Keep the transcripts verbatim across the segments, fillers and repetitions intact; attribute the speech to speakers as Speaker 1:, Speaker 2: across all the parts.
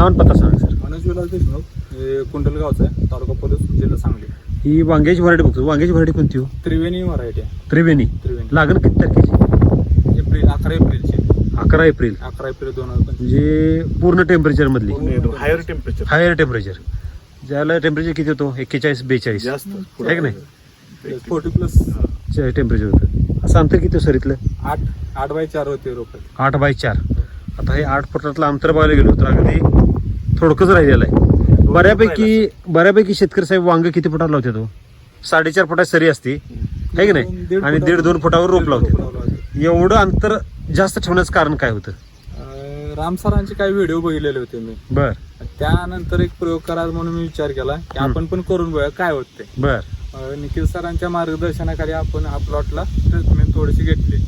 Speaker 1: नाव आणि पत्ता सांगा सर.
Speaker 2: मनोज विलास देशमुख, हे कुंडलगावचा आहे, तालुका पोलीस, जिल्हा सांगली.
Speaker 1: ही वांग्याची व्हरायटी बघतो. वांग्याची व्हरायटी कोणती हो?
Speaker 2: त्रिवेणी व्हरायटी आहे.
Speaker 1: त्रिवेणी.
Speaker 2: त्रिवेणी
Speaker 1: लागण किती तारखेची?
Speaker 2: एप्रिल अकरा एप्रिलची.
Speaker 1: अकरा एप्रिल.
Speaker 2: अकरा एप्रिल दोन हजार पंचवीस.
Speaker 1: म्हणजे पूर्ण टेम्परेचर मधली.
Speaker 3: Higher temperature.
Speaker 1: Higher temperature. ज्याला टेम्परेचर किती होतो? एक्केचाळीस बेचाळीस
Speaker 3: जास्त
Speaker 1: आहे की नाही?
Speaker 2: फोर्टी प्लस
Speaker 1: टेम्परेचर होतं. असं अंतर किती सर इथलं?
Speaker 2: आठ आठ बाय चार होते रोप.
Speaker 1: आठ बाय चार. आता हे आठ फुटातलं अंतर बघायला गेलो तर अगदी थोडकंच राहिलेलं आहे. बऱ्यापैकी बऱ्यापैकी शेतकरी साहेब वांग किती फुटावर लावते तो? साडेचार फुटात सरी असते आहे की नाही? आणि दीड दोन फुटावर रोप लावते. एवढं अंतर जास्त ठेवण्याचं कारण काय होतं?
Speaker 2: राम सरांचे काही व्हिडिओ बघितलेले होते मी.
Speaker 1: बर.
Speaker 2: त्यानंतर एक प्रयोग करा म्हणून मी विचार केला की आपण पण करून बघूया काय होत ते.
Speaker 1: बर.
Speaker 2: निखिल सरांच्या मार्गदर्शनाखाली आपण हा प्लॉटला ट्रीटमेंट थोडीशी घेतली.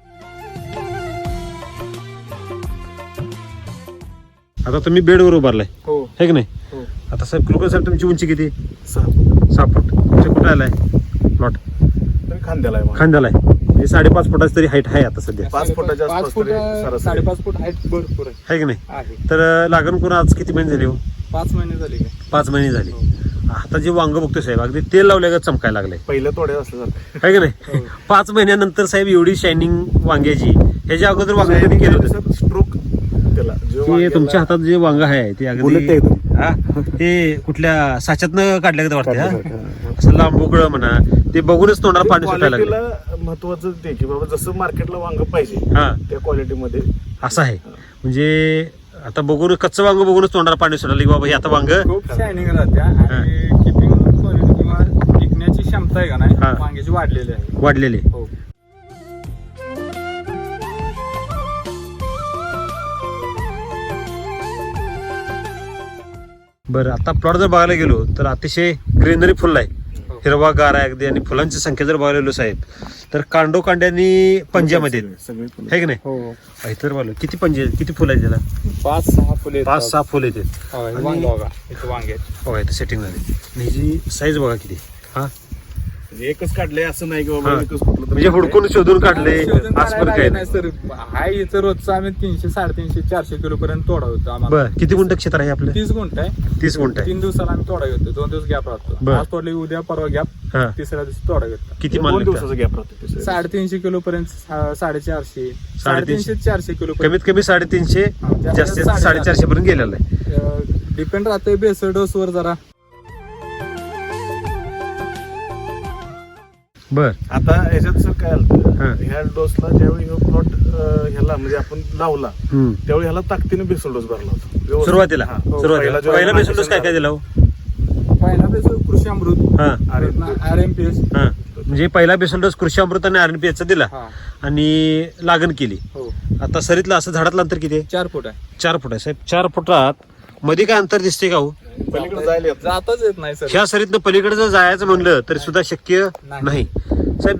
Speaker 1: आता तुम्ही बेडवर उभारलाय
Speaker 2: हो
Speaker 1: है की नाही?
Speaker 2: हो.
Speaker 1: आता साहेब कुलकर साहेब तुमची उंची किती?
Speaker 3: सहा
Speaker 1: सहा फूट. तुमच्या कुठे आलाय प्लॉट?
Speaker 3: तरी खांद्याला आहे.
Speaker 1: खांद्याला आहे. म्हणजे साडेपाच फुटाची तरी हाईट आहे आता सध्या
Speaker 3: पाच फुटाच्या
Speaker 2: पाच
Speaker 3: आसपास
Speaker 2: फूट
Speaker 3: तरी सरासरी.
Speaker 2: साडेपाच फूट हाईट भरपूर आहे.
Speaker 1: आहे की नाही?
Speaker 2: आहे.
Speaker 1: तर लागण करून आज किती महिने झाले हो?
Speaker 2: पाच महिने झाले काय?
Speaker 1: पाच महिने झाले. आता जे वांग बघतोय साहेब अगदी तेल लावल्या चमकायला लागलंय
Speaker 3: पहिल्या तोड्या असल्यासारखं.
Speaker 1: आहे की नाही? पाच महिन्यानंतर साहेब एवढी शायनिंग वांग्याची ह्याच्या अगोदर वांग कधी केलं होतं?
Speaker 3: स्ट्रोक त्याला जो
Speaker 1: की
Speaker 3: वांग्याला-
Speaker 1: तुमच्या हातात जे वांग आहे ते
Speaker 3: बुलेट आहे
Speaker 1: अगदी
Speaker 3: एकदम.
Speaker 1: हा ते कुठल्या साच्यातनं काढल्या का वाटतं? हा? असं लांबोकळं म्हणा ते बघूनच तोंडाला पाणी सुटायला लागलं.
Speaker 3: क्वालिटीला महत्वाचं ते की बाबा जसं मार्केटला वांग पाहिजे
Speaker 1: हा
Speaker 3: त्या क्वालिटीमध्ये
Speaker 1: असं आहे. म्हणजे आता बघून कच्चं वांग बघूनच तोंडाला पाणी सुटायला की बाबा हे आता वांग
Speaker 2: खूप शायनिंग राहत्या आणि किपिंग क्वालिटी किंवा टिकण्याची क्षमता आहे का नाही
Speaker 1: हा.
Speaker 2: वांग्याची वाढलेली आहे.
Speaker 1: वाढलेले.
Speaker 2: हो.
Speaker 1: बरं. आता प्लॉट जर बघायला गेलो तर अतिशय ग्रीनरी फुल आहे.
Speaker 2: हो.
Speaker 1: हिरवा गार आहे अगदी. आणि फुलांची संख्या जर बघायला गेलो साहेब तर कांडो कांड्यानी पंजामध्ये
Speaker 3: सगळे फुलं.
Speaker 1: आहे की नाही?
Speaker 2: हो
Speaker 1: इतर बोल किती पंजे किती फुलं आहेत त्याला?
Speaker 2: पाच सहा फुले
Speaker 1: पाच सहा फुलं येते.
Speaker 2: वांग बघा इथे वांगे आहेत.
Speaker 1: बघा इथं सेटिंग झाली. आणि ह्याची साईज बघा किती. हा
Speaker 3: म्हणजे एकच काढले असं नाही की
Speaker 1: हा.
Speaker 3: बाबा एकच कुठलं तरी
Speaker 1: म्हणजे हुडकून शोधून काढले
Speaker 2: शोधून
Speaker 1: असं पण
Speaker 2: काढायला
Speaker 1: काय
Speaker 2: नाही
Speaker 1: नाही.
Speaker 2: सर. हाय इथं रोजचं आम्ही तीनशे साडेतीनशे चारशे किलो पर्यंत तोडा होतो आम्हाला.
Speaker 1: बर. किती गुंठ क्षेत्र आहे आपलं?
Speaker 2: तीस गुंठ आहे.
Speaker 1: तीस गुंठ आहे.
Speaker 2: तीन दिवसाला आम्ही तोडा घेतो. दोन दिवस गॅप राहतो.
Speaker 1: बर.
Speaker 2: आज तोडले उद्या परवा गॅप.
Speaker 1: हा.
Speaker 2: तिसऱ्या दिवशी तोडा घेतो.
Speaker 1: किती
Speaker 3: दोन
Speaker 1: माल निघतात?
Speaker 3: दिवसाचा गॅप राहतो ते.
Speaker 2: साडेतीनशे किलो पर्यंत साडेचारशे साडेतीनशे चारशे किलो
Speaker 1: कमीत कमी साडेतीनशे
Speaker 2: हा, जास्तीत
Speaker 1: जास्तीत
Speaker 2: जास्त
Speaker 1: साडेचारशे पर्यंत गेलेला आहे.
Speaker 2: डिपेंड राहते बेसल डोस वर जरा.
Speaker 1: बर.
Speaker 3: आता ह्याच्यात सर काय
Speaker 1: हा.
Speaker 3: आलं ह्या डोसला ज्यावेळी हा प्लॉट ह्याला म्हणजे आपण लावला
Speaker 1: हम्म.
Speaker 3: त्यावेळी ह्याला ताकदीने बेसल डोस भरला होता व्यवस्थित.
Speaker 1: सुरुवातीला
Speaker 3: हा.
Speaker 1: सुरुवातीला
Speaker 3: पहिला जो
Speaker 1: पहिला
Speaker 3: आहे
Speaker 1: बेसल डोस काय काय दिला हो?
Speaker 2: पहिला बेसल कृषी अमृत,
Speaker 1: हा
Speaker 2: आर एम पी एस.
Speaker 1: हा. म्हणजे पहिला बेसल डोस कृषी अमृत आणि आर एन पी चा दिला
Speaker 2: हा.
Speaker 1: आणि लागण केली.
Speaker 2: हो
Speaker 1: आता सरीतलं असं झाडातलं अंतर किती आहे?
Speaker 2: चार फूट आहे.
Speaker 1: चार फूट आहे साहेब. चार फुटात मध्ये काय अंतर दिसते का हो?
Speaker 3: पलीकडे जायला येत नाही.
Speaker 2: जाताच येत नाही सर.
Speaker 1: ह्या सरीतनं पलीकडे जर जायचं म्हणलं तरी सुद्धा शक्य
Speaker 2: नाही.
Speaker 1: नाही साहेब.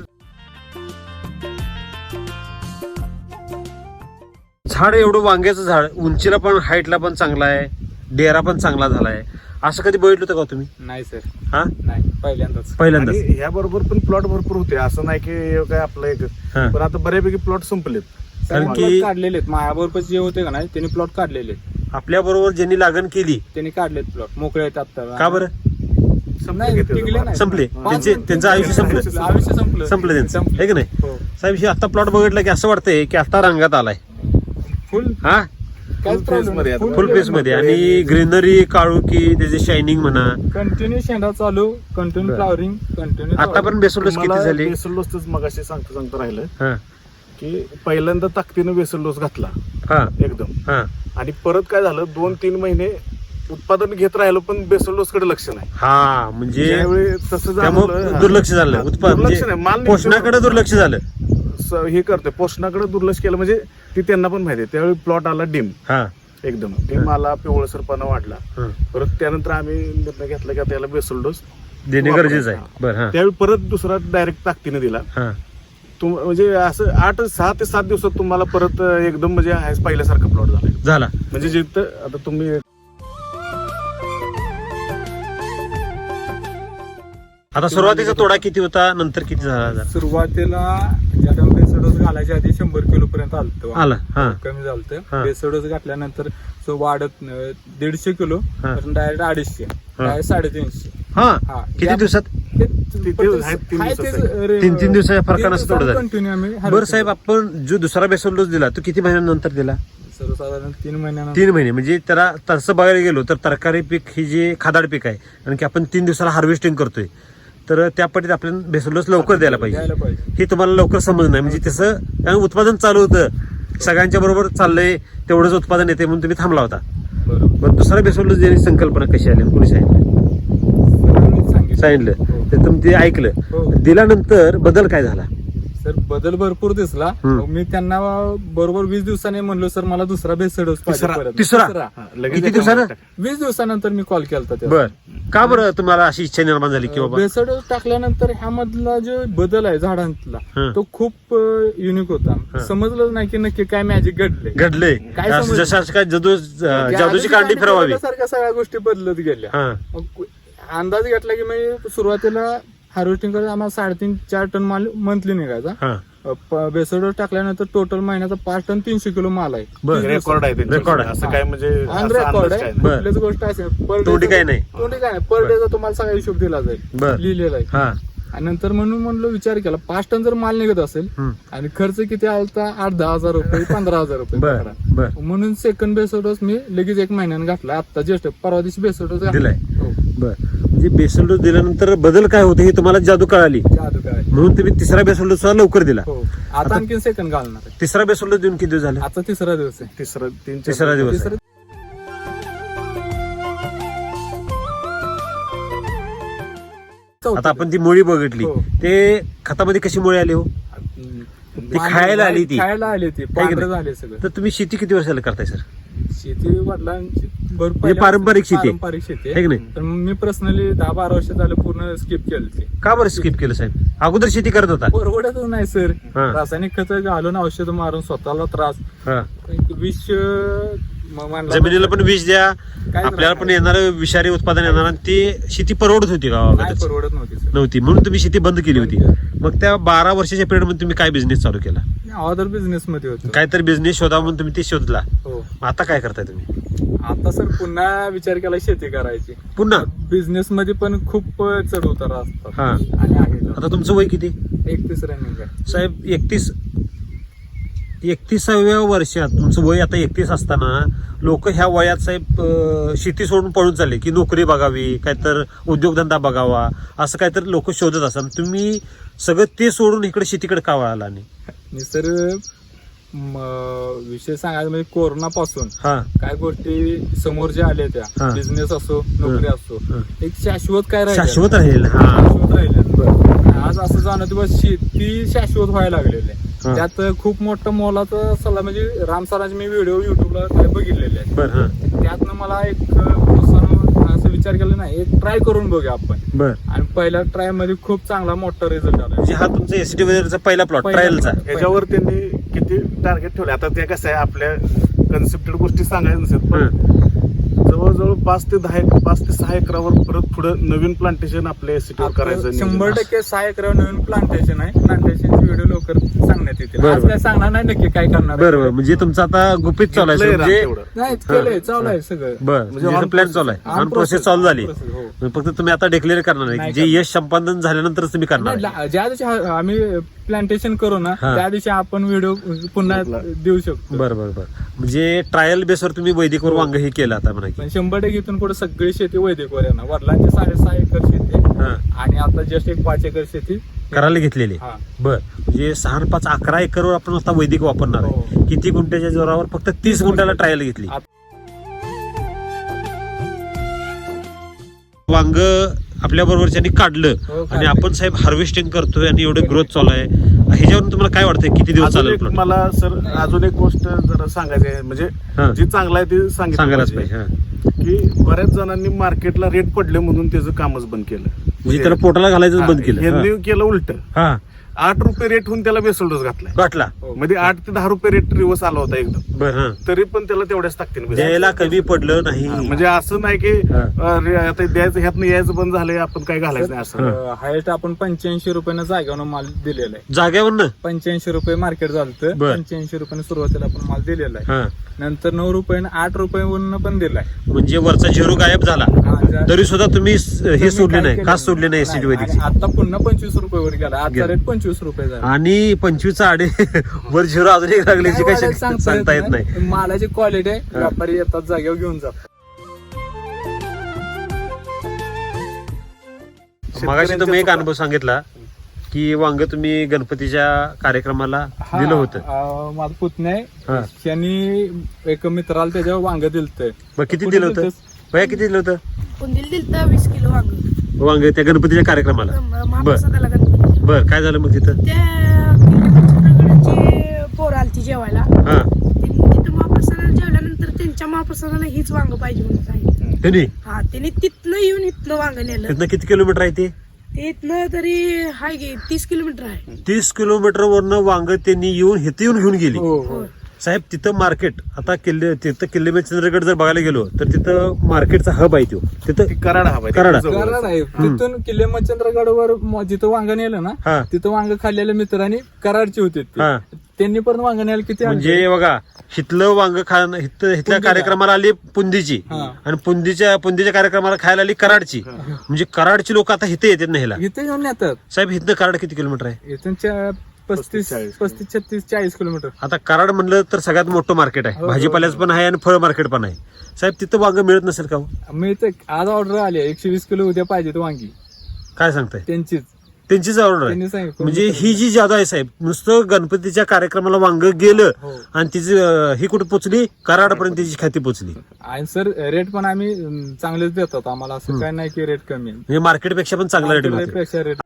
Speaker 1: झाड एवढं वांग्याचं झाड उंचीला पण हाईटला पण चांगला आहे. डेरा पण चांगला झालाय. असं कधी बघितलं होतं का तुम्ही?
Speaker 2: नाही सर.
Speaker 1: हा
Speaker 2: नाही पहिल्यांदाच.
Speaker 1: पहिल्यांदाच.
Speaker 3: आणि ह्या बरोबर पण प्लॉट भरपूर होते असं नाही की हे काय आपलं एक
Speaker 1: हा.
Speaker 3: पण आता बऱ्यापैकी प्लॉट संपलेत.
Speaker 1: कारण
Speaker 2: प्लॉट
Speaker 1: की
Speaker 2: काढलेले आहेत. मायाबरोबर जे होते का नाही त्यांनी प्लॉट काढलेले आहेत.
Speaker 1: आपल्या बरोबर ज्यांनी लागण केली
Speaker 2: त्यांनी काढलेत प्लॉट मोकळे आहेत आता.
Speaker 1: का बरं?
Speaker 3: संपले
Speaker 2: नाही,
Speaker 3: की ते
Speaker 2: टिकले नाही.
Speaker 1: संपले.
Speaker 2: पाच
Speaker 1: त्यांचे
Speaker 2: मिनिटं
Speaker 1: त्यांचं आयुष्य संपलं.
Speaker 2: आयुष्य संपलं.
Speaker 1: संपलं त्यांचं
Speaker 2: संपलं.
Speaker 1: आहे की नाही?
Speaker 2: हो.
Speaker 1: साहेब हे आता प्लॉट बघितलं की असं वाटतंय की आता रंगात आलाय.
Speaker 2: फुल
Speaker 1: हा
Speaker 2: काहीच
Speaker 3: Full
Speaker 2: problem
Speaker 3: phase मध्ये
Speaker 2: नाही.
Speaker 3: आता.
Speaker 1: फुल फेस मध्ये. आणि ग्रीनरी काळुकी त्याचे शायनिंग म्हणा.
Speaker 2: कंटिन्यू शेंडा चालू, कंटिन्यू
Speaker 1: बरं.
Speaker 2: Flowering, continue.
Speaker 1: आता पण बेसल डोस किती झाले?
Speaker 3: बेसल डोसच मगाशी सांगता सांगता राहिलं
Speaker 1: हा
Speaker 3: की पहिल्यांदा ताकदीनं बेसल डोस घातला
Speaker 1: हा
Speaker 3: एकदम
Speaker 1: हा
Speaker 3: आणि परत काय झालं दोन तीन महिने उत्पादन घेत राहिलो पण बेसल डोस कडे लक्ष नाही.
Speaker 1: हा म्हणजे
Speaker 3: ज्यावेळी तसं
Speaker 1: त्यामुळे
Speaker 3: झालं
Speaker 1: दुर्लक्ष झालं. उत्पादन
Speaker 3: दुर्लक्ष नाही, माल
Speaker 1: म्हणजे
Speaker 3: निघतो.
Speaker 1: पोषणाकडे दुर्लक्ष झालं.
Speaker 3: स- हे करते पोषणाकडे दुर्लक्ष केलं म्हणजे ती त्यांना पण माहिती आहे. त्यावेळी प्लॉट आला डिम
Speaker 1: हा
Speaker 3: एकदम डिम आला, पिवळसरपणा वाढला.
Speaker 1: हा.
Speaker 3: परत त्यानंतर आम्ही निर्णय घेतला की त्याला बेसल डोस
Speaker 1: देणे गरजेचं आहे. बरं. हा
Speaker 3: त्यावेळी परत दुसरा डायरेक्ट ताकदीने दिला.
Speaker 1: हा
Speaker 3: तुम म्हणजे असं आठ सहा ते सात दिवसात तुम्हाला परत एकदम म्हणजे आहे पहिल्यासारखा प्लॉट झाला
Speaker 1: झाला.
Speaker 3: म्हणजे जिथं आता तुम्ही
Speaker 1: आता सुरुवातीचा तोडा किती होता, नंतर किती झाला?
Speaker 2: सुरुवातीला ज्या टाइम बेसळ डोस घालायच्या आधी शंभर किलो पर्यंत आलत
Speaker 1: आला हा
Speaker 2: कमी
Speaker 1: हा.
Speaker 2: झालतं. बेसळ डोस घातल्यानंतर तो वाढत अं, दीडशे किलो
Speaker 1: हा.
Speaker 2: डायरेक्ट अडीचशे डायरेक्ट साडेतीनशे.
Speaker 1: हा
Speaker 2: हा.
Speaker 1: किती
Speaker 2: या-
Speaker 1: दिवसात?
Speaker 2: ते-
Speaker 3: ते-
Speaker 2: पण
Speaker 3: ते आहेत तीन
Speaker 2: हाय
Speaker 3: दिवसाचं
Speaker 2: तेच रे-
Speaker 1: तीन तीन दिवसाच्या फरकानं असं तोडं झालं.
Speaker 2: कंटिन्यू आम्ही
Speaker 1: बरं
Speaker 2: harvest
Speaker 1: साहेब, आपण जो दुसरा बेसल डोस दिला तो किती महिन्यानंतर दिला?
Speaker 2: करतो. सर्वसाधारण तीन महिन्यानंतर
Speaker 1: तीन महिने. म्हणजे त्याला तसं बघायला गेलो तर तरकारी पीक ही जे खादाड पीक आहे आणि की आपण तीन दिवसाला हार्वेस्टिंग करतोय, तर त्या पद्धतीत आपल्याला बेसल डोस लवकर द्यायला पाहिजे.
Speaker 2: द्यायला पाहिजे.
Speaker 1: हे तुम्हाला लवकर समज नाही, म्हणजे तसं कारण उत्पादन चालू होतं, सगळ्यांच्या बरोबर चाललंय, तेवढंच उत्पादन येते म्हणून तुम्ही थांबला होता.
Speaker 2: बरोबर.
Speaker 1: बरं, दुसरा बेसल डोस देण्याची संकल्पना कशी आली, कोणी सांगितलं?
Speaker 2: सरांनीच सांगितलं.
Speaker 1: सांगितलं
Speaker 2: हो.
Speaker 1: तर तुम्ही ते ऐकलं.
Speaker 2: हो.
Speaker 1: दिल्यानंतर बदल काय झाला?
Speaker 2: सर बदल भरपूर दिसला.
Speaker 1: हम्म.
Speaker 2: मग मी त्यांना बरोबर वीस दिवसांनी म्हणलो सर मला दुसरा बेसळ डोस पाहिजे
Speaker 3: तिसरा.
Speaker 2: परत.
Speaker 1: तिसरा?
Speaker 3: हा, लगेच
Speaker 1: किती
Speaker 3: एका
Speaker 1: दिवसानं?
Speaker 3: महिन्यात टाक.
Speaker 2: वीस दिवसानंतर मी कॉल केला
Speaker 1: बर का बरं तुम्हाला अशी इच्छा निर्माण झाली की बाबा?
Speaker 2: बेसळ डोस टाकल्यानंतर ह्यामधला जो बदल आहे झाडांतला
Speaker 1: हं.
Speaker 2: तो खूप युनिक होता. समजलं नाही की नक्की काय मॅजिक घडले.
Speaker 1: घडले
Speaker 2: काय
Speaker 1: असं
Speaker 2: समजलं?
Speaker 1: जसं काय जादू जादूची कांडी फिरवावी.
Speaker 2: सारख्या सगळ्या गोष्टी बदलत गेल्या.
Speaker 1: हा
Speaker 2: मग अंदाज घेतला की मी सुरुवातीला हार्वेस्टिंग करत आम्हाला साडेतीन चार टन माल मंथली निघायचा.
Speaker 1: हा
Speaker 2: बेसळ डोस टाकल्यानंतर टोटल महिन्याचा पाच टन तीनशे किलो माल आहे.
Speaker 1: बर.
Speaker 2: तीस
Speaker 3: रेकॉर्ड आहे त्यांच्याकडे.
Speaker 1: रेकॉर्ड आहे.
Speaker 3: असं काय म्हणजे
Speaker 2: ऑन
Speaker 3: असा
Speaker 2: रेकॉर्ड
Speaker 3: अंदाज
Speaker 2: आहे.
Speaker 3: काय नाही.
Speaker 1: बर.
Speaker 2: कुठलीच गोष्ट असेल पर day
Speaker 1: तोंडी
Speaker 2: चा-
Speaker 1: काय नाही.
Speaker 2: तोंडी काय नाही पर डेचा तुम्हाला सगळा हिशोब दिला जाईल.
Speaker 1: बर.
Speaker 2: लिहिलेला आहे.
Speaker 1: हा
Speaker 2: आणि नंतर म्हणून म्हणलो विचार केला पाच टन जर माल निघत असेल
Speaker 1: हम्म.
Speaker 2: आणि खर्च किती आलता आठ दहा हजार रुपये पंधरा हजार रुपये
Speaker 1: बर
Speaker 2: पकडा.
Speaker 1: बर
Speaker 2: म्हणून सेकंड बेसळ डोस मी लगेच एक महिन्याने घातला. आता जस्ट परवा दिवशी बेसळ डोस
Speaker 1: दिलाय.
Speaker 2: हो.
Speaker 1: बर. म्हणजे बेसल डोस दिल्यानंतर बदल काय होते हे तुम्हाला जादू कळाली,
Speaker 2: जादू काय.
Speaker 1: म्हणून तुम्ही तिसरा बेसल डोस लवकर दिला.
Speaker 2: हो आता आणखीन सेकंड घालणार आहे.
Speaker 1: तिसरा बेसल डोस देऊन किती दिवस झाले?
Speaker 2: आता तिसरा दिवस आहे.
Speaker 3: तिसरं तीन चार-
Speaker 1: तिसरा दिवस आहे.
Speaker 2: तिसरा
Speaker 1: आता आपण ती मुळी बघितली,
Speaker 2: हो.
Speaker 1: ते खतामध्ये कशी मुळी आली हो? ती खायला आली ती.
Speaker 2: खायला आली ती
Speaker 1: की
Speaker 2: पांढरं
Speaker 1: नाही?
Speaker 2: झाले सगळं.
Speaker 1: तर तुम्ही शेती किती वर्षाला करताय सर?
Speaker 2: शेती वडिलांची भरपूर
Speaker 1: म्हणजे पारंपरिक शेती आहे.
Speaker 2: पारंपरिक शेती
Speaker 1: आहे की नाही?
Speaker 2: पण मी पर्सनली दहा बारा वर्ष झालं पूर्ण स्किप केली.
Speaker 1: का बरं स्किप केलं साहेब? अगोदर शेती करत होता?
Speaker 2: परवडत नाही सर.
Speaker 1: हा.
Speaker 2: रासायनिक खत घालून औषध मारून स्वतःला त्रास.
Speaker 1: हा.
Speaker 2: एक विष म- मानला-
Speaker 1: जमिनीला पण विष द्या, आपल्याला पण येणार विषारी उत्पादन येणार, आणि ती शेती परवडत होती का
Speaker 2: नाही
Speaker 1: गावाकडे?
Speaker 2: परवडत नव्हती सर.
Speaker 1: नव्हती, म्हणून तुम्ही शेती बंद केली होती.
Speaker 2: बंद.
Speaker 1: मग त्या बारा वर्षाच्या पिरियड मध्ये तुम्ही काय बिझनेस चालू केला?
Speaker 2: अदर बिझनेस मध्ये होतो.
Speaker 1: काहीतरी बिझनेस शोधा म्हणून तुम्ही ते शोधला.
Speaker 2: हो.
Speaker 1: आता काय करताय तुम्ही?
Speaker 2: आता सर पुन्हा विचार केला शेती करायची.
Speaker 1: पुन्हा
Speaker 2: बिझनेस मध्ये पण खूप चढ उतार असतात.
Speaker 1: हा.
Speaker 2: आणि आहे
Speaker 1: आता तुमचं वय किती
Speaker 2: एकतीस रनिंग आहे.
Speaker 1: साहेब? एकतीस एकतीसाव्या वर्षात तुमचं वय आता एकतीस असताना लोक ह्या वयात साहेब अं, शेती सोडून पळून चालले की नोकरी बघावी, काहीतर उद्योगधंदा बघावा, असं काहीतरी लोक शोधत असतात. तुम्ही सगळं ते सोडून इकडे शेतीकडे का वळाला नाही?
Speaker 2: आणि सर म, विषय सांगायचा म्हणजे कोरोना पासून
Speaker 1: हा
Speaker 2: काय गोष्टी समोर ज्या आल्या
Speaker 1: हा.
Speaker 2: त्या बिझनेस असो नोकरी असो
Speaker 1: हा.
Speaker 2: एक शाश्वत काय राहिलं
Speaker 1: शाश्वत राहील. हा
Speaker 2: शाश्वत राहिले. आज असं जाणवत बस शेती शाश्वत व्हायला लागलेली आहे.
Speaker 1: हा.
Speaker 2: त्यात खूप मोठं मोलाचा सल्ला म्हणजे राम सरांचे मी व्हिडिओ युट्यूबला काय बघितलेले आहेत.
Speaker 1: बर. हा
Speaker 2: त्यातनं मला एक प्रोत्साहन असं विचार केला नाही एक ट्राय करून बघूया आपण.
Speaker 1: बर.
Speaker 2: आणि पहिल्या ट्राय मध्ये खूप चांगला मोठा रिझल्ट आला.
Speaker 1: म्हणजे हा तुमचा एसटी वगैरेचा पहिला प्लॉट
Speaker 2: पहिला
Speaker 1: ट्रायलचा.
Speaker 2: plot.
Speaker 3: याच्यावर त्यांनी किती टार्गेट ठेवले? आता ते कसं आहे, आपल्या कन्सेप्टेड गोष्टी सांगायचं नसेल, पण जवळजवळ पाच ते दहा एक पाच ते सहा एकरावर परत पुढे नवीन प्लांटेशन आपल्या सिटीवर करायचं
Speaker 2: आपलं
Speaker 3: नियोजन
Speaker 2: शंभर
Speaker 3: आहे.
Speaker 2: टक्के सहा एकर नवीन प्लांटेशन आहे. प्लांटेशनचे व्हिडिओ लवकर सांगण्यात येतील.
Speaker 1: बरं,
Speaker 2: आज
Speaker 1: बरं.
Speaker 2: काय सांगणार नाही नक्की काय करणार आहे.
Speaker 1: बरोबर. म्हणजे तुमचं आता गुपित चालू आहे
Speaker 3: घेतलंय
Speaker 1: sir. म्हणजे
Speaker 3: तेवढं.
Speaker 2: नाही केलंय चालू आहे सगळं.
Speaker 1: बर,
Speaker 3: म्हणजे
Speaker 1: म्हणजे
Speaker 3: on
Speaker 1: प्लॅन
Speaker 3: process-
Speaker 1: चालू आहे,
Speaker 2: on
Speaker 1: ऑन प्रोसेस
Speaker 2: process,
Speaker 1: चालू
Speaker 2: on
Speaker 1: झाली.
Speaker 2: process, हो.
Speaker 1: फक्त तुम्ही आता डिक्लेअर करणार नाही,
Speaker 2: नाही
Speaker 1: जे यश संपादन झाल्यानंतरच तुम्ही करणार
Speaker 2: नाही,
Speaker 1: आहे.
Speaker 2: ला- ज्या दिवशी हा- आम्ही प्लांटेशन करू ना
Speaker 1: हा.
Speaker 2: त्या दिवशी आपण व्हिडिओ पुन्हा देऊ शकतो.
Speaker 1: बरं बरं बरं. म्हणजे ट्रायल बेसवर तुम्ही वैदिकवर
Speaker 2: हो.
Speaker 1: वांग हे केलं आता म्हणा की.
Speaker 2: पण शंभर टक्के इथून पुढे सगळी शेती वैदिकवर येणार. वडिलांची साडेसहा एकर शेती
Speaker 1: हा.
Speaker 2: आणि आता जस्ट एक पाच एकर शेती
Speaker 1: करायला घेतलेली.
Speaker 2: हा.
Speaker 1: बर. म्हणजे सहा आणि पाच अकरा एकरवर आपण आता वैदिक वापरणार आहे.
Speaker 2: हो.
Speaker 1: किती गुंठ्याच्या जोरावर? फक्त तीस गुंठ्याला ट्रायल घेतली.
Speaker 2: आता-
Speaker 1: वांग आपल्या बरोबरच्यानी काढलं
Speaker 2: हो, काढलं.
Speaker 1: आणि आपण साहेब हार्वेस्टिंग करतोय आणि एवढे ग्रोथ चालू आहे, ह्याच्यावरून तुम्हाला काय वाटतंय किती दिवस
Speaker 3: अजून
Speaker 1: चालेल
Speaker 3: एक
Speaker 1: plot?
Speaker 3: मला सर अजून एक गोष्ट जरा सांगायची आहे, म्हणजे
Speaker 1: हा.
Speaker 3: जी चांगलं आहे ते सांगितलं
Speaker 1: सांगायलाच
Speaker 3: पाहिजे.
Speaker 1: पाहिजे. हा.
Speaker 3: की बऱ्याच जणांनी मार्केटला रेट पडले म्हणून त्याचं कामच बंद केलं.
Speaker 1: म्हणजे त्याला पोटाला घालायचं
Speaker 3: हा,
Speaker 1: बंद केलं.
Speaker 3: यांनी केलं उलट.
Speaker 1: हा
Speaker 3: आठ रुपये रेट होऊन त्याला बेसल डोस घातलाय.
Speaker 1: गाठला
Speaker 3: म्हणजे आठ ते दहा रुपये रेट रिवर्स आला होता एकदम,
Speaker 1: बर हा
Speaker 3: तरी पण त्याला तेवढ्याच ताकदीने बेसल.
Speaker 1: द्यायला कमी पडलं नाही.
Speaker 3: म्हणजे असं नाही की
Speaker 1: हा.
Speaker 3: अरे, आता द्यायचं ह्यातनं यायचं बंद झालंय आपण काय घालायचं नाही असं.
Speaker 2: हायस्ट आपण पंच्याऐंशी रुपयानं जागेवर माल दिलेला आहे.
Speaker 1: जाग्यावर
Speaker 2: पंच्याऐंशी रुपये मार्केट झालं,
Speaker 1: बर.
Speaker 2: पंच्याऐंशी रुपयाने सुरुवातीला आपण माल दिलेला आहे.
Speaker 1: हा
Speaker 2: नंतर नऊ रुपयानं आठ रुपयावरून पण दिलाय.
Speaker 1: म्हणजे वरचा झिरो गायब झाला
Speaker 2: हा, ज्या-
Speaker 1: तरी सुद्धा तुम्ही स- हे
Speaker 2: तुम्ही
Speaker 1: सोडले
Speaker 2: काय
Speaker 1: नाही,
Speaker 2: केलं?
Speaker 1: का सोडले नाही एसिड
Speaker 2: नाही,
Speaker 1: वैदिकची.
Speaker 2: आणि आता पुन्हा पंचवीस रुपये वर गेला. आजचा
Speaker 1: गेला.
Speaker 2: रेट पंचवीस रुपये झाला.
Speaker 1: आणि पंचवीसचा आडे वर झिरो अजून एक लागल्याची
Speaker 2: काय
Speaker 1: काही
Speaker 2: वाढेल
Speaker 1: सांगता येत नाही.
Speaker 2: मालाची क्वालिटी आहे, व्यापारी येतात जागेवर घेऊन जातात.
Speaker 1: मगाशी तुम्ही एक अनुभव सांगितला की वांग तुम्ही गणपतीच्या कार्यक्रमाला
Speaker 2: हा,
Speaker 1: दिलं होतं.
Speaker 2: अं, माझा पुतण्या
Speaker 1: हा.
Speaker 2: आहे, त्यांनी एक मित्राला त्याच्यावर वांग दिलत.
Speaker 1: मग किती दिलं होतं भैया, किती दिलं होतं
Speaker 4: कुंदील दिलतं वीस किलो वांग
Speaker 1: वांग त्या गणपतीच्या कार्यक्रमाला?
Speaker 4: महाप्रसादाला गणपती.
Speaker 1: बर, काय झालं मग तिथं?
Speaker 4: त्या किल्ल्याची पोरं आलती जेवायला.
Speaker 1: हा
Speaker 4: त्यांनी तिथं महाप्रसादाला जेवल्यानंतर त्यांच्या महाप्रसादाला हीच वांग पाहिजे म्हणून सांगितलं.
Speaker 1: त्यांनी
Speaker 4: हा त्यांनी तिथनं येऊन इथनं वांग नेलं.
Speaker 1: तिथनं किती किलोमीटर आहे ते?
Speaker 4: ते इथनं तरी हाय गे तीस किलोमीटर आहे.
Speaker 1: तीस किलोमीटर वरनं वांग त्यांनी येऊन इथं येऊन घेऊन गेली.
Speaker 2: हो,
Speaker 4: हो.
Speaker 1: साहेब तिथं मार्केट, आता किल्ले तिथं किल्ले में चंद्रगड जर बघायला गेलो तर तिथं मार्केटचा हब आहे तो. तिथं
Speaker 3: कराड हवा
Speaker 1: कराड.
Speaker 2: कराड आहे. तिथून किल्ले मच्छिंद्रगडवर म- जिथं वांग नेलं ना,
Speaker 1: हा
Speaker 2: तिथं वांग खाल्लेल्या मित्रांनी कराडचे होते ते.
Speaker 1: हा
Speaker 2: त्यांनी पण वांग न्यायला किती आणले?
Speaker 1: म्हणजे बघा, हिथलं वांग खा हिथं हिथल्या कार्यक्रमाला आली पुंदीची,
Speaker 2: हा.
Speaker 1: आणि पुंदीच्या पुंदीच्या कार्यक्रमाला खायला आली कराडची. म्हणजे कराडची लोक आता हिथे येतात नाहीला.
Speaker 2: इथे घेऊन येतात.
Speaker 1: साहेब हिथनं कराड किती किलोमीटर आहे?
Speaker 2: इथून चा- पस्तीस
Speaker 3: चाळीस.
Speaker 2: पस्तीस छत्तीस चाळीस किलोमीटर.
Speaker 1: आता कराड म्हणलं तर सगळ्यात मोठं मार्केट आहे.
Speaker 2: हो,
Speaker 1: भाजीपाल्याचं पण आहे आणि फळ मार्केट पण आहे. साहेब तिथं वांग मिळत नसेल का हो?
Speaker 2: मी इथे आज ऑर्डर आली आहे, एकशे वीस किलो उद्या पाहिजे वांगी
Speaker 1: काय सांगताय?
Speaker 2: त्यांचीच.
Speaker 1: त्यांचीच ऑर्डर आहे.
Speaker 2: त्यांनी सांगितलं.
Speaker 1: म्हणजे ही जी जादा आहे साहेब, नुसतं गणपतीच्या कार्यक्रमाला वांग गेलं
Speaker 2: हो.
Speaker 1: आणि तिची अं, ही कुठे पोचली? कराडपर्यंत तिची खाती पोचली.
Speaker 2: आणि सर रेट पण आम्ही अं, चांगलेच देतात आम्हाला. असं काय नाही की रेट कमी आहे.
Speaker 1: म्हणजे मार्केटपेक्षा पण चांगला रेट मिळतो.
Speaker 2: पेक्षा रेट.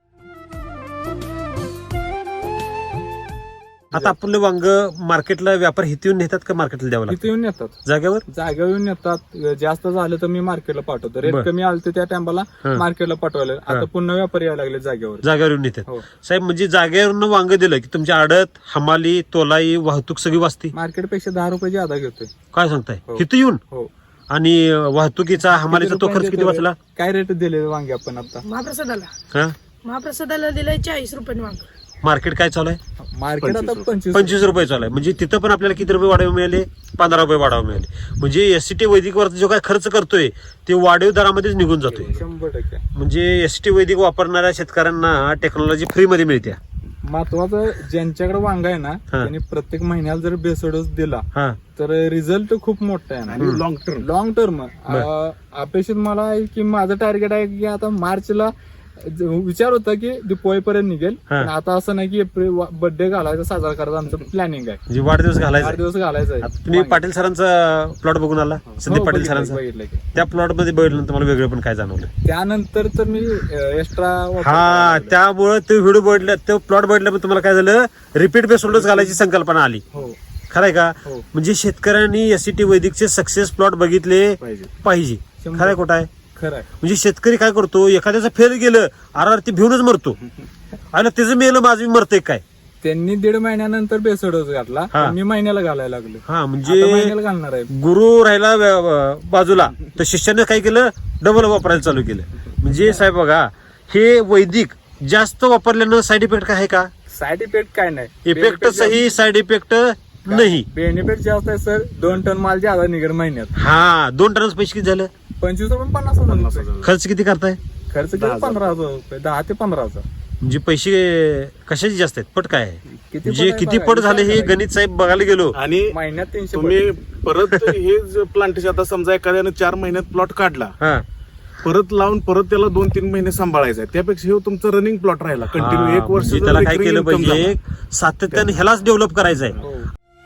Speaker 1: आता आपलं वांग मार्केटला व्यापार हित येऊन नेतात का मार्केटला द्यावं
Speaker 2: इथे
Speaker 1: लागतं
Speaker 2: येऊन येतात.
Speaker 1: जागेवर?
Speaker 2: जागेवर येऊन येतात. जास्त झालं तर मी मार्केटला पाठवतो. रेट
Speaker 1: बर.
Speaker 2: कमी आलं तर त्या टायमाला
Speaker 1: हा.
Speaker 2: मार्केटला पाठवायला.
Speaker 1: हा.
Speaker 2: आता पुन्हा व्यापारी यायला लागले जागेवर.
Speaker 1: जागेवर येऊन नेतात.
Speaker 2: हो.
Speaker 1: साहेब म्हणजे जागेवरनं वांग दिलं की तुमच्या आडत, हमाली, तोलाई, वाहतूक सगळी वाचते.
Speaker 2: मार्केटपेक्षा दहा रुपये ज्यादा घेतोय.
Speaker 1: काय सांगताय?
Speaker 2: हो.
Speaker 1: हिथं येऊन
Speaker 2: हो.
Speaker 1: आणि वाहतुकीचा, हमालीचा तो खर्च किती वाचला?
Speaker 2: काय रेट दिले वांगे आपण आता?
Speaker 4: महाप्रसादाला
Speaker 1: हा
Speaker 4: महाप्रसादाला दिलंय चाळीस रुपये वांग.
Speaker 1: मार्केट काय चालू आहे?
Speaker 2: मार्केट आता पंचवीस
Speaker 1: पंचवीस रुपये चालू आहे. म्हणजे तिथं पण आपल्याला किती रुपये वाढव मिळाले? पंधरा रुपये वाढव मिळाले. म्हणजे एसटी वैदिक वरती जो काय खर्च करतोय ते वाढीव दरामध्येच निघून जातोय.
Speaker 2: शंभर टक्के.
Speaker 1: म्हणजे एसटी वैदिक वापरणाऱ्या शेतकऱ्यांना टेक्नॉलॉजी फ्री मध्ये मिळते.
Speaker 2: महत्वाचं ज्यांच्याकडे वांग आहे ना,
Speaker 1: हा.
Speaker 2: त्यांनी प्रत्येक महिन्याला जर बेसडोस दिला
Speaker 1: हा
Speaker 2: तर रिझल्ट खूप मोठा आहे ना.
Speaker 3: आणि लॉंग टर्म
Speaker 2: लॉंग टर्म अपेक्षित मला आहे की माझं टार्गेट आहे की आता मार्चला ज- विचार होता की दिवाळीपर्यंत निघेल.
Speaker 1: हा.
Speaker 2: पण आता असं नाही की एप्रिल बर्थडे घालायचा साजरा करायचा आमचं प्लॅनिंग आहे.
Speaker 1: म्हणजे वाढदिवस घालायचा.
Speaker 2: आठ दिवस घालायचा आहे.
Speaker 1: आता तुम्ही पाटील सरांचा प्लॉट बघून आला, संदीप
Speaker 2: हो,
Speaker 1: पाटील
Speaker 2: बघितलं-
Speaker 1: सरांचा.
Speaker 2: बघितलं की.
Speaker 1: त्या प्लॉट मध्ये बघितलं तुम्हाला वेगळं पण काय जाणवलं?
Speaker 2: त्यानंतर तर मी एक्स्ट्रा
Speaker 1: हा, त्यामुळे ते व्हिडिओ बघितलं, तो प्लॉट बघितलं, पण तुम्हाला काय झालं? रिपीट बेस होल्डर्स घालायची संकल्पना आली.
Speaker 2: हो
Speaker 1: खरंय का?
Speaker 2: हो.
Speaker 1: म्हणजे शेतकऱ्यांनी एससीटी वैदिकचे सक्सेस प्लॉट बघितले
Speaker 3: पाहिजे.
Speaker 1: पाहिजे.
Speaker 2: शंभर.
Speaker 1: खरंय खोटं आहे?
Speaker 2: खरं आहे.
Speaker 1: म्हणजे शेतकरी काय करतो, एखाद्याचं फेल गेलं आर ते भिवूनच मरतो. आणि त्याचं मेलं माझं मी मरते काय?
Speaker 2: त्यांनी दीड महिन्यानंतर बेसडोस घातला.
Speaker 1: हा.
Speaker 2: पण मी महिन्याला घालायला लागलो.
Speaker 1: हा
Speaker 2: आता
Speaker 1: म्हणजे
Speaker 2: महिन्याला घालणार आहे.
Speaker 1: गुरु राहिला व्य- व- बाजूला, तर शिष्याने काय केलं? डबल वापरायला चालू केलं. म्हणजे साहेब बघा, हे वैदिक जास्त वापरल्यानं साईड इफेक्ट काय आहे का?
Speaker 2: साईड इफेक्ट काय नाही.
Speaker 1: इफेक्ट सही, साईड इफेक्ट नाही.
Speaker 2: बेनिफिट जास्त आहे सर. दोन टन माल ज्यादा निघेल महिन्यात.
Speaker 1: हा, दोन टनाच पैसे किती झालं?
Speaker 2: पंचवीस रुपये पन्नास हजार
Speaker 3: पन्नास
Speaker 2: रुपये.
Speaker 3: हजार.
Speaker 1: खर्च किती करताय?
Speaker 2: खर्च
Speaker 3: दहा
Speaker 2: किती?
Speaker 3: हजार.
Speaker 2: पंधरा हजार रुपये. दहा ते पंधरा हजार.
Speaker 1: म्हणजे पैसे कशाचे जास्त आहेत? पट काय आहे?
Speaker 2: किती
Speaker 1: म्हणजे
Speaker 2: पट आहे
Speaker 1: किती
Speaker 2: बघा,
Speaker 1: पट झाले हे
Speaker 2: विचार करा.
Speaker 1: गणित साहेब बघायला गेलो.
Speaker 3: आणि
Speaker 2: महिन्यात तीनशे
Speaker 3: तुम्ही
Speaker 2: पट.
Speaker 3: परत हे जे प्लांटेशन, आता समजा एखाद्याने चार महिन्यात प्लॉट काढला,
Speaker 1: हा
Speaker 3: परत लावून परत त्याला दोन तीन महिने सांभाळायचा आहे. त्यापेक्षा हे तुमचं रनिंग प्लॉट राहिला कंटिन्यू
Speaker 1: हा,
Speaker 3: एक वर्ष
Speaker 1: म्हणजे
Speaker 3: जर
Speaker 1: त्याला काय
Speaker 3: recurring
Speaker 1: केलं
Speaker 3: income
Speaker 1: पाहिजे?
Speaker 3: झाला.
Speaker 1: सातत्याने ह्यालाच डेव्हलप करायचं आहे.
Speaker 2: हो.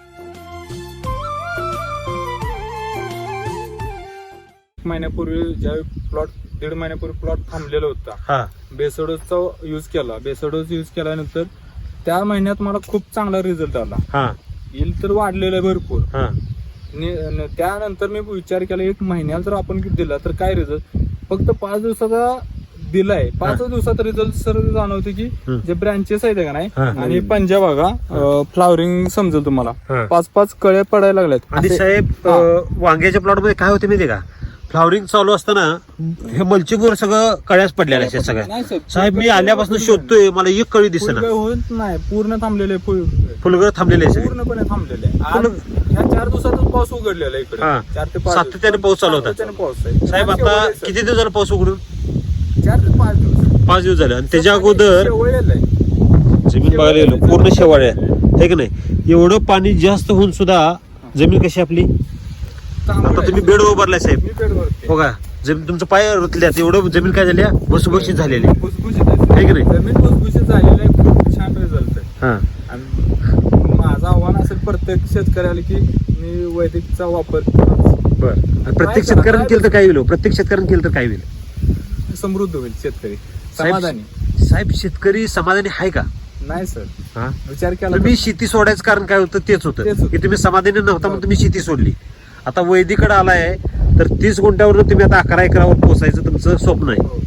Speaker 2: एक महिन्यापूर्वी ज्यावेळी प्लॉट दीड महिन्यापूर्वी प्लॉट थांबलेला होता,
Speaker 1: हा
Speaker 2: बेसडोसचा युज केला. बेसडोस युज केल्यानंतर त्या महिन्यात मला खूप चांगला रिझल्ट आला.
Speaker 1: हा
Speaker 2: येईल तर वाढलेलं आहे भरपूर.
Speaker 1: हा
Speaker 2: नि- न- त्यानंतर मी विचार केला एक महिन्याला जर आपण किती दिला तर काय रिझल्ट. फक्त पाच दिवसाचा दिलाय पाच दिवसात रिझल्ट सर जाणवते की
Speaker 1: हं.
Speaker 2: जे ब्रँचेस आहेत का नाही
Speaker 1: हा.
Speaker 2: आणि पंजा बघा फ्लावरिंग समजेल
Speaker 1: हा.
Speaker 2: तुम्हाला पाच पाच कळ्या पडायला लागल्यात
Speaker 1: आणि
Speaker 2: असे-
Speaker 1: साहेब
Speaker 2: हा.
Speaker 1: अं, वांग्याच्या प्लॉट मध्ये काय होते माहितीये का फ्लॉवरिंग चालू असताना हे मल्चिंगवर सगळं कळ्याच पडलेल्या आहेत सगळ्या
Speaker 2: नाही सर,
Speaker 1: साहेब मी
Speaker 2: फुलगळ-
Speaker 1: आल्यापासून
Speaker 2: फुलगळ-
Speaker 1: शोधतोय मला एक कळी दिसेना
Speaker 2: फुलगळ होत नाही पूर्ण थांबलेले फुल
Speaker 1: फुलगळ थांबलेले आहे सगळे
Speaker 2: पूर्णपणे थांबलेले आहे. आज
Speaker 1: फुलं-
Speaker 2: ह्या चार दिवसातच पाऊस उघडलेला आहे
Speaker 1: हा.
Speaker 2: इकडे चार ते पाच
Speaker 1: सातत्याने पाऊस चालू होता.
Speaker 2: सातत्याने पाऊस आहे
Speaker 1: साहेब
Speaker 2: शेवळ
Speaker 1: आता
Speaker 2: आहे, सर.
Speaker 1: किती दिवस झाला पाऊस उघडून
Speaker 2: चार ते पाच दिवस
Speaker 1: पाच दिवस झाले आणि त्याच्या अगोदर
Speaker 2: शेवळलेलं आहे.
Speaker 1: जमीन बघायला गेलो पूर्ण शेवाळे आहे की नाही एवढं पाणी जास्त होऊन सुद्धा जमीन कशी आपली
Speaker 2: चांगलं
Speaker 1: आता
Speaker 2: आहे.
Speaker 1: तुम्ही बेड उभारलाय साहेब
Speaker 2: मी बेडवरती.
Speaker 1: बघा जमीन तुमचं पाय रुतल्यात एवढं जमीन काय झाली भुसभुशीत झालेली आहे.
Speaker 2: भुसभुशीत आहे.
Speaker 1: आहे की नाही?
Speaker 2: जमीन भुसभुशीत झालेली आहे खूप छान रिझल्ट आहे
Speaker 1: हा
Speaker 2: आणि माझं आव्हान असेल प्रत्येक शेतकऱ्याला की मी वैदिकचा वापर करावा.
Speaker 1: बर प्रत्येक शेतकऱ्यानं केलं तर काय होईल हो? प्रत्येक शेतकऱ्यानं केलं तर काय होईल
Speaker 2: समृद्ध होईल शेतकरी
Speaker 1: साहेब-
Speaker 2: समाधानी
Speaker 1: साहेब शेतकरी समाधानी आहे का
Speaker 2: नाही सर
Speaker 1: हा
Speaker 2: विचार केला
Speaker 1: तुम्ही
Speaker 2: तर-
Speaker 1: शेती सोडायचं कारण काय होतं तेच होतं
Speaker 2: तेच होतं.
Speaker 1: की तुम्ही समाधानी नव्हता म्हणून तुम्ही शेती सोडली आता वैदिकडे आलाय तर तीस गुंठ्यावर तुम्ही आता अकरा एकरावर पोहोचायचं तुमचं स्वप्न आहे
Speaker 2: हो.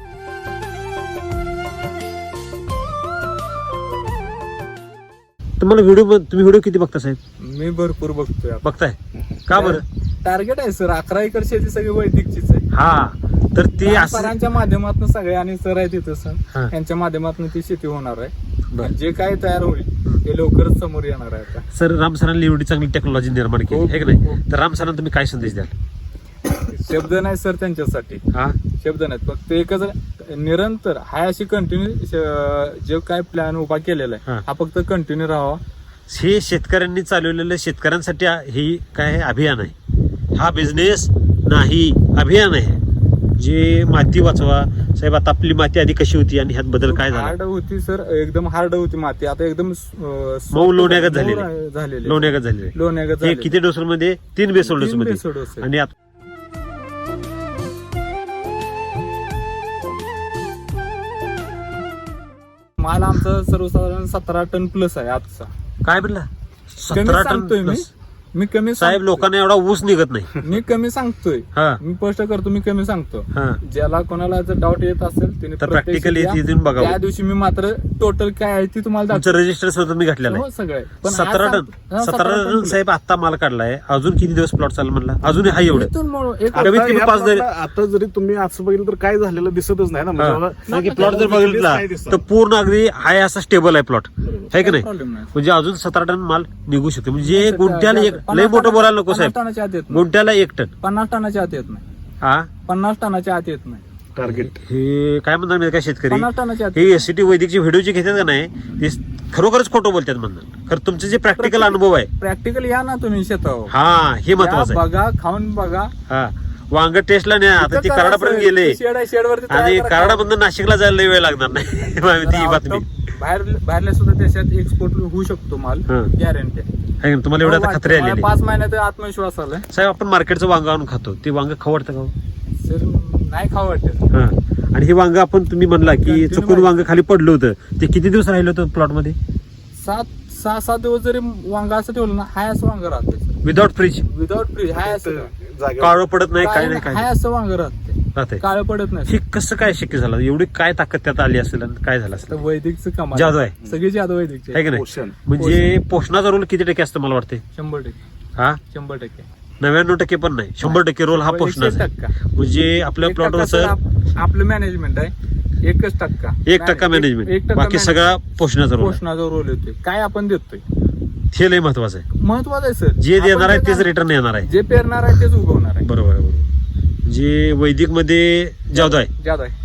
Speaker 1: तुम्हाला व्हिडिओ तुम्ही व्हिडिओ किती बघता साहेब
Speaker 2: मी भरपूर बघतोय आपण.
Speaker 1: बघताय का बरं
Speaker 2: टार्गेट आहे सर अकरा एकर शेती सगळी वैदिकचीच आहे
Speaker 1: हा तर ते असं
Speaker 2: सरांच्या माध्यमातून सगळे आणि सर आहे तिथं
Speaker 1: हा.
Speaker 2: सर यांच्या माध्यमातून ती शेती होणार आहे
Speaker 1: बरं.
Speaker 2: आणि जे काय तयार होईल ते लवकरच समोर येणार आहे आता
Speaker 1: सर राम सरांनी एवढी चांगली टेक्नॉलॉजी निर्माण केली
Speaker 2: हो,
Speaker 1: आहे की नाही
Speaker 2: हो.
Speaker 1: तर राम सरांना तुम्ही काय संदेश द्याल
Speaker 2: शब्द नाही सर त्यांच्यासाठी
Speaker 1: हा
Speaker 2: शब्द नाहीत फक्त एकच निरंतर हाय अशी कंटिन्यू जे काय प्लॅन उभा केलेला आहे
Speaker 1: हा.
Speaker 2: हा फक्त कंटिन्यू राहावा
Speaker 1: हे शेतकऱ्यांनी चालवलेलं शेतकऱ्यांसाठी ही काय आहे? अभियान आहे हा बिझनेस नाही अभियान आहे जे माती वाचवा साहेब आता आपली माती आधी कशी होती आणि ह्यात बदल काय झाला
Speaker 2: हार्ड होती सर एकदम हार्ड होती माती आता एकदम
Speaker 1: मऊ लोण्यागत झालेली.
Speaker 2: झालेली
Speaker 1: लोण्यागत झालेले
Speaker 2: लोण्यागत
Speaker 1: हे
Speaker 2: झालेली.
Speaker 1: किती डोसर मध्ये तीन बेसोल डोस
Speaker 2: तीन
Speaker 1: मध्ये
Speaker 2: बेसोल डोस आहे.
Speaker 1: आणि आता
Speaker 2: माल आमचा सर्वसाधारण सतरा टन प्लस आहे आजचा
Speaker 1: काय म्हणला
Speaker 2: कमी
Speaker 1: सतरा टन
Speaker 2: सांगतोय मी
Speaker 1: plus.
Speaker 2: मी कमी
Speaker 1: साहेब
Speaker 2: सांगतोय.
Speaker 1: लोकांना एवढा ऊस निघत नाही
Speaker 2: मी कमी सांगतोय
Speaker 1: हा
Speaker 2: मी स्पष्ट करतो मी कमी सांगतो
Speaker 1: हा
Speaker 2: ज्याला कोणाला जर डाऊट येत असेल त्याने
Speaker 1: तर
Speaker 2: प्रत्यक्ष
Speaker 1: practically
Speaker 2: या.
Speaker 1: इथे येऊन बघावं.
Speaker 2: त्या दिवशी मी मात्र टोटल काय आहे ती तुम्हाला
Speaker 1: तुमचं
Speaker 2: दाखवतो.
Speaker 1: रजिस्टर सुद्धा मी घातलेलं
Speaker 2: हो
Speaker 1: आहे
Speaker 2: सगळे पण आज
Speaker 1: सतरा टन
Speaker 2: सांग- हा,
Speaker 1: सतरा टन
Speaker 2: plus.
Speaker 1: साहेब आता माल काढलाय अजून किती दिवस प्लॉट चालला म्हणला अजून हा एवढं
Speaker 2: इथून म्हणून एक
Speaker 1: कमीत
Speaker 3: आता
Speaker 1: कमी
Speaker 3: या
Speaker 1: पाच
Speaker 3: plotला आता जरी तुम्ही असं बघितलं तर काय झालेलं दिसतच नाही ना म्हणजे
Speaker 1: हा.
Speaker 3: बाबा-
Speaker 1: कारण की प्लॉट जर बघितला
Speaker 3: काय दिसतं?
Speaker 1: तर पूर्ण अगदी हाय असा स्टेबल आहे प्लॉट आहे की नाही
Speaker 2: प्रॉब्लेम नाही
Speaker 1: म्हणजे अजून सतरा टन माल निघू शकतो म्हणजे
Speaker 2: नाही,
Speaker 1: गुंठ्याला एक
Speaker 2: पन्नास
Speaker 1: लय मोठं
Speaker 2: टनाच्या-
Speaker 1: बोलायला नको
Speaker 2: पन्नास
Speaker 1: साहेब
Speaker 2: टनाच्या आत येत नाही
Speaker 1: गुंठ्याला एक टन
Speaker 2: पन्नास टनाच्या आत येत नाही
Speaker 1: हा
Speaker 2: पन्नास टनाच्या आत येत नाही
Speaker 3: टार्गेट
Speaker 1: हे काय म्हणतात माहिती का शेतकरी
Speaker 2: पन्नास टनाच्या आत
Speaker 1: हे एससीटी वैदिकची व्हिडिओ जे घेतात का नाही ते खरोखरच खोटं बोलतात म्हणतात खरं तुमचे जे प्रॅक्टिकल अनुभव आहे
Speaker 2: प्रॅक्टिकल या ना तुम्ही शेतावर
Speaker 1: हा हे महत्वाचं
Speaker 2: या,
Speaker 1: आहे
Speaker 2: बघा खाऊन बघा
Speaker 1: हा वांग टेस्टला नाही आता ती
Speaker 2: इथं
Speaker 1: कराडापर्यंत
Speaker 2: करा,
Speaker 1: गेले
Speaker 2: शेड आहे, शेडवरती तयार
Speaker 1: आणि
Speaker 2: करा.
Speaker 1: कराडामधून नाशिकला जायला लय वेळ लागणार नाही माहिती ही
Speaker 2: तर
Speaker 1: बातमी
Speaker 2: बाहेर बाहेरल्या सुद्धा देशात एक्सपोर्ट होऊ शकतो माल
Speaker 1: हा.
Speaker 2: गॅरंटी
Speaker 1: आहे ना? तुम्हाला एवढं आता खत्री आलेली
Speaker 2: पाच महिन्यात आत्मविश्वास आलाय
Speaker 1: साहेब आपण मार्केटचं वांग आणून खातो ते वांग खवडतं का हो?
Speaker 2: सर नाही खावं वाटत
Speaker 1: हा आणि हे वांग आपण तुम्ही म्हणला की
Speaker 2: Continue
Speaker 1: चुकून
Speaker 2: माहिती.
Speaker 1: वांग खाली पडलं होतं ते किती दिवस राहिलं होतं प्लॉट मध्ये
Speaker 2: सात सहा सात दिवस जरी वांगा असं ठेवलं ना हाय असं वांग राहते
Speaker 1: विदाउट फ्रीज
Speaker 2: विदाउट फ्रीज हाय असं
Speaker 3: जागेवर
Speaker 1: काळं पडत नाही काय नाही काय
Speaker 2: हाय
Speaker 1: नाही.
Speaker 2: असं वांग राहते
Speaker 1: राहते
Speaker 2: काळं पडत नाही
Speaker 1: हे कसं काय शक्य झालं एवढी काय ताकद त्यात आली असेल आणि काय झालं
Speaker 2: तर
Speaker 1: असेल
Speaker 2: वैदिकचं कमाल
Speaker 1: जादू आहे
Speaker 2: सगळी जादू वैदिकची
Speaker 1: आहे की नाही
Speaker 3: पोषण
Speaker 1: म्हणजे पोषणाचा रोल किती टक्के असतं मला वाटते
Speaker 2: शंभर टक्के
Speaker 1: हा
Speaker 2: शंभर टक्के
Speaker 1: नव्याण्णव टक्के पण नाही शंभर टक्के रोल हा
Speaker 2: एकशे
Speaker 1: पोषणाचा आहे.
Speaker 2: टक्का.
Speaker 1: म्हणजे आपल्या
Speaker 2: एक
Speaker 1: प्लॉटवर
Speaker 2: टक्का सर
Speaker 1: सर
Speaker 2: आप- आपलं मॅनेजमेंट आहे एकच टक्का
Speaker 1: एक टक्का
Speaker 2: एक-
Speaker 1: मॅनेजमेंट
Speaker 2: एक टक्का
Speaker 1: बाकी
Speaker 2: management.
Speaker 1: सगळा पोषणाचा रोल आहे.
Speaker 2: पोषणाचा रोल येतोय काय आपण देतोय
Speaker 1: हे लय महत्वाचं आहे
Speaker 2: महत्वाचं आहे सर
Speaker 1: जे
Speaker 2: आपण
Speaker 1: देणार आहे तेच
Speaker 2: जे-
Speaker 1: रिटर्न येणार आहे
Speaker 2: जे पेरणार आहे तेच उगवणार आहे
Speaker 1: बरोबर आहे बरोबर जे वैदिक मध्ये जादू आहे
Speaker 2: जादू आहे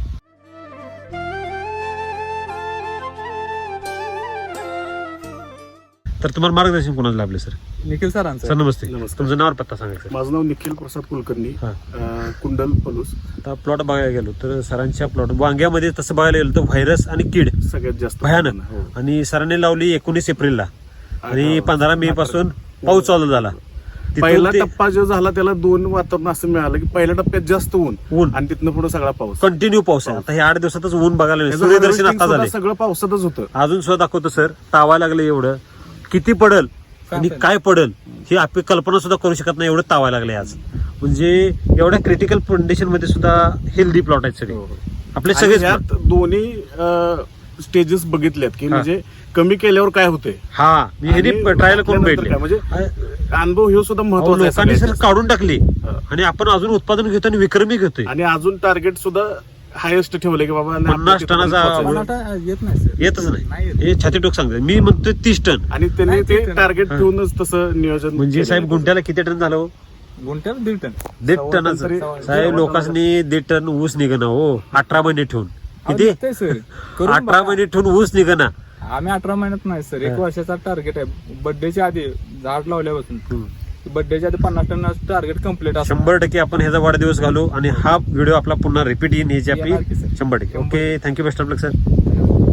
Speaker 1: तर तुम्हाला मार्गदर्शन कोणाला लाभले सर
Speaker 2: निखिल सरांचं
Speaker 1: सर नमस्ते
Speaker 3: नमस्कार.
Speaker 1: तुमचं नाव और पत्ता सांगायचं
Speaker 3: माझं नाव निखिल प्रसाद कुलकर्णी
Speaker 1: हा.
Speaker 3: अं, कुंडल पलूस
Speaker 1: आता प्लॉट बघायला गेलो तर सरांच्या प्लॉट वांग्यामध्ये तसं बघायला गेलो तर व्हायरस आणि कीड
Speaker 3: सगळ्यात जास्त
Speaker 1: भयानक
Speaker 3: हो.
Speaker 1: आणि सरांनी लावली एकोणीस एप्रिलला आणि
Speaker 3: हा.
Speaker 1: पंधरा मे पासून पाऊस चालू झाला तिथून
Speaker 3: पहिला
Speaker 1: ते
Speaker 3: टप्पा जो झाला त्याला दोन वातावरण असं मिळालं की पहिल्या टप्प्यात जास्त ऊन
Speaker 1: ऊन
Speaker 3: आणि तिथनं पुढे सगळा पाऊस
Speaker 1: कंटिन्यू पाऊस आहे आता हे आठ दिवसातच ऊन बघायला मिळेल.
Speaker 3: त्याचं
Speaker 1: सूर्यदर्शन
Speaker 3: harvesting
Speaker 1: आता
Speaker 3: सुद्धा
Speaker 1: झाले
Speaker 3: सगळं पावसातच होतं
Speaker 1: अजून सुद्धा दाखवतो सर तावा लागलं एवढं किती पडल आणि
Speaker 2: सांगता
Speaker 1: काय पडल ही आपण कल्पना सुद्धा करू शकत नाही एवढं तावा लागले आज म्हणजे एवढ्या क्रिटिकल कंडिशन मध्ये सुद्धा हेल्दी प्लॉट आहेत सगळे आपले
Speaker 3: आणि
Speaker 1: सगळेच
Speaker 3: यात दोन्ही स्टेजेस बघितल्यात की
Speaker 1: हा.
Speaker 3: म्हणजे कमी केल्यावर काय होते
Speaker 1: हा मी हे ट्रायल करून भेटले
Speaker 3: म्हणजे अनुभव हे सुद्धा महत्वाचा आहे
Speaker 1: लोकांनी सर
Speaker 3: सगळ्यात.
Speaker 1: काढून टाकली
Speaker 3: हा.
Speaker 1: आणि आपण अजून उत्पादन घेतो आणि विक्रमी घेतोय
Speaker 3: आणि अजून टार्गेट सुद्धा हायेस्ट ठेवले की बाबा नाही,
Speaker 1: पन्नास
Speaker 3: आपल्या तिथं
Speaker 1: टनाचा
Speaker 3: पोहोचायचं.
Speaker 2: मला आता येत नाही सर
Speaker 1: येतच
Speaker 2: नाही
Speaker 1: नाही
Speaker 2: येत.
Speaker 1: हे छातीटोक सांगतात मी म्हणतोय तीस टन
Speaker 3: आणि त्यांनी
Speaker 2: नाही,
Speaker 3: ते
Speaker 2: ठीक आहे.
Speaker 3: टार्गेट
Speaker 1: हा.
Speaker 3: ठेवूनच तसं नियोजन
Speaker 1: म्हणजे
Speaker 3: केलेलं
Speaker 1: साहेब
Speaker 3: आहे.
Speaker 1: गुंठ्याला किती टन झालं हो?
Speaker 2: गुंठ्याला दीड टन
Speaker 1: दीड
Speaker 3: सव्वा
Speaker 1: टनाचं
Speaker 3: टन तरी-
Speaker 1: साहेब
Speaker 3: सव्वा
Speaker 1: लोकांनी दीड टन ऊस निघणं हो अठरा महिने ठेवून किती
Speaker 2: ते सर करून
Speaker 1: अठरा
Speaker 2: बघा.
Speaker 1: महिने ठेवून ऊस निघणं
Speaker 2: आम्ही अठरा महिन्यात नाही सर एक वर्षाचा टार्गेट आहे बर्थडेच्या आधी झाड लावल्यापासून बर्थडेच्या आधी पन्नास टन टार्गेट कम्प्लीट असं
Speaker 1: शंभर टक्के आपण ह्याचा वाढदिवस घालू आणि हा व्हिडिओ आपला पुन्हा रिपीट येईन ह्याची
Speaker 2: येणार की
Speaker 1: आपली
Speaker 2: सर.
Speaker 1: शंभर टक्के
Speaker 2: शंभर.
Speaker 1: Okay thank you best of luck sir